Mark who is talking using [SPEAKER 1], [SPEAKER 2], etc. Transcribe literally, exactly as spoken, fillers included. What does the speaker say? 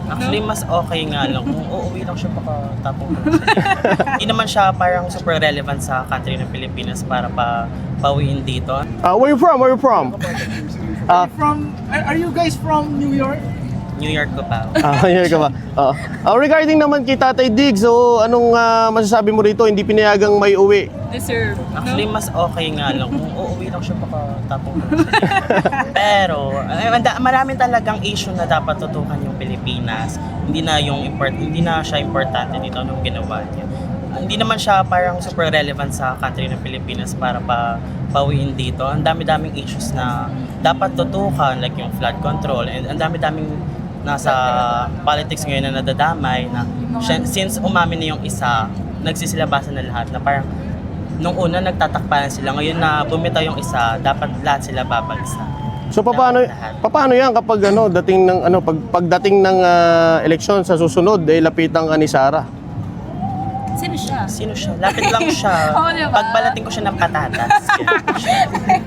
[SPEAKER 1] Actually, mas okay nga lang kung uuwi lang siya pagkatapos. Hindi naman siya parang super relevant sa country ng Pilipinas para pa pauwiin dito.
[SPEAKER 2] Uh, where you from? Where you from? Ah,
[SPEAKER 3] From are, are you guys from New York?
[SPEAKER 1] New York ko pa.
[SPEAKER 2] ah, here ka ba? Oo. Ah, regarding naman kay Tatay Diggs, so anong ah, masasabi mo rito? Hindi pinayagang may uwi.
[SPEAKER 4] Deserve.
[SPEAKER 1] Actually, mas okay nga lang kung uuwi lang siya pagkatapos. Pero, eh, manda- marami talagang issue na dapat tutukan yung Pilipinas. Hindi na yung import, hindi na siya importante dito nung ginawa niya. Ah, Hindi naman siya parang super relevant sa country ng Pilipinas para pa pauwiin dito. Ang dami-daming issues na dapat tutukan, like yung flood control, and ang dami-daming nasa politics ngayon na nadadamay na siya- since umamin na yung isa, nagsisilabasan na lahat na parang nung una nagtatakpanan sila, ngayon na bumitaw yung isa, dapat lahat sila babagsak.
[SPEAKER 2] So paano
[SPEAKER 1] Lahat.
[SPEAKER 2] paano 'yan kapag ano dating ng ano pag pagdating ng ah, eleksyon sa susunod eh lapitan ka ni Sara?
[SPEAKER 4] Sino siya?
[SPEAKER 1] Sino siya? Lapit lang siya.
[SPEAKER 4] Oo, diba?
[SPEAKER 1] Pagbalating ko siya ng patatas.